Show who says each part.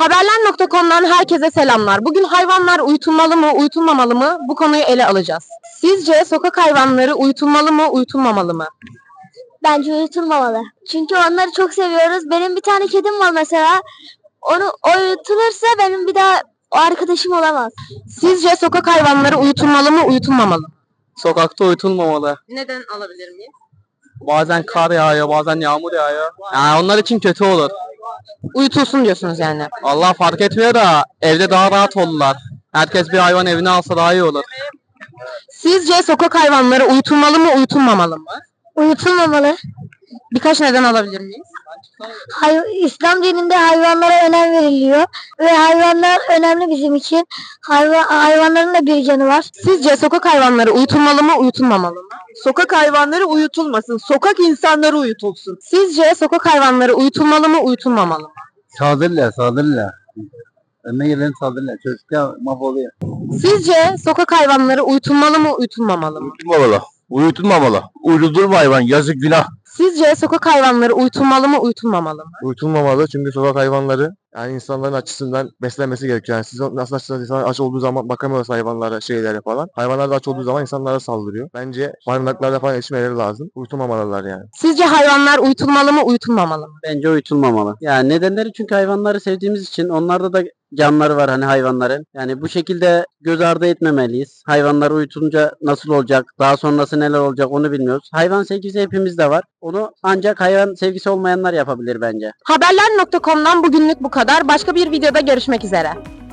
Speaker 1: Haberler.com'dan herkese selamlar. Bugün hayvanlar uyutulmalı mı, uyutulmamalı mı? Bu konuyu ele alacağız. Sizce sokak hayvanları uyutulmalı mı, uyutulmamalı mı?
Speaker 2: Bence uyutulmamalı. Çünkü onları çok seviyoruz. Benim bir tane kedim var mesela. O uyutulursa benim bir daha o arkadaşım olamaz.
Speaker 1: Sizce sokak hayvanları uyutulmalı mı, uyutulmamalı mı?
Speaker 3: Sokakta uyutulmamalı.
Speaker 1: Neden alabilir miyiz?
Speaker 3: Bazen kar yağıyor, bazen yağmur yağıyor. Yani onlar için kötü olur.
Speaker 1: Uyutulsun diyorsunuz yani.
Speaker 3: Allah fark etmiyor da evde daha rahat olurlar. Herkes bir hayvan evine alsa daha iyi olur.
Speaker 1: Sizce sokak hayvanları uyutulmalı mı, uyutulmamalı mı?
Speaker 2: Uyutulmamalı.
Speaker 1: Birkaç neden alabilir miyiz?
Speaker 2: İslam dininde hayvanlara önem veriliyor. Ve hayvanlar önemli bizim için. Hayvanların da bir canı var.
Speaker 1: Sizce sokak hayvanları uyutulmalı mı, uyutulmamalı mı?
Speaker 4: Sokak hayvanları uyutulmasın. Sokak insanları uyutulsun.
Speaker 1: Sizce sokak hayvanları uyutulmalı mı, uyutulmamalı mı?
Speaker 5: Saldırırlar. Önüne gelen saldırırlar. Çocuklar mahvoluyor.
Speaker 1: Sizce sokak hayvanları uyutulmalı mı, uyutulmamalı mı?
Speaker 5: Uyutulmamalı. Uyutulma hayvan. Yazık günah.
Speaker 1: Sizce sokak hayvanları uyutulmalı mı, uyutulmamalı mı?
Speaker 6: Uyutulmamalı çünkü sokak hayvanları yani insanların açısından beslenmesi gerekiyor. Yani siz nasıl açsınız, insanlar aç olduğu zaman bakamıyorsa hayvanlara, şeylere falan. Hayvanlar da aç olduğu zaman insanlara saldırıyor. Bence barınaklarda falan yetişmeleri lazım. Uyutulmamalılar yani.
Speaker 1: Sizce hayvanlar uyutulmalı mı, uyutulmamalı mı?
Speaker 7: Bence uyutulmamalı. Yani nedenleri çünkü hayvanları sevdiğimiz için onlarda da canları var hani hayvanların. Yani bu şekilde göz ardı etmemeliyiz. Hayvanlar uyutunca nasıl olacak, daha sonrası neler olacak onu bilmiyoruz. Hayvan sevgisi hepimizde var. Onu ancak hayvan sevgisi olmayanlar yapabilir bence.
Speaker 1: Haberler.com'dan bugünlük bu kadar. Başka bir videoda görüşmek üzere.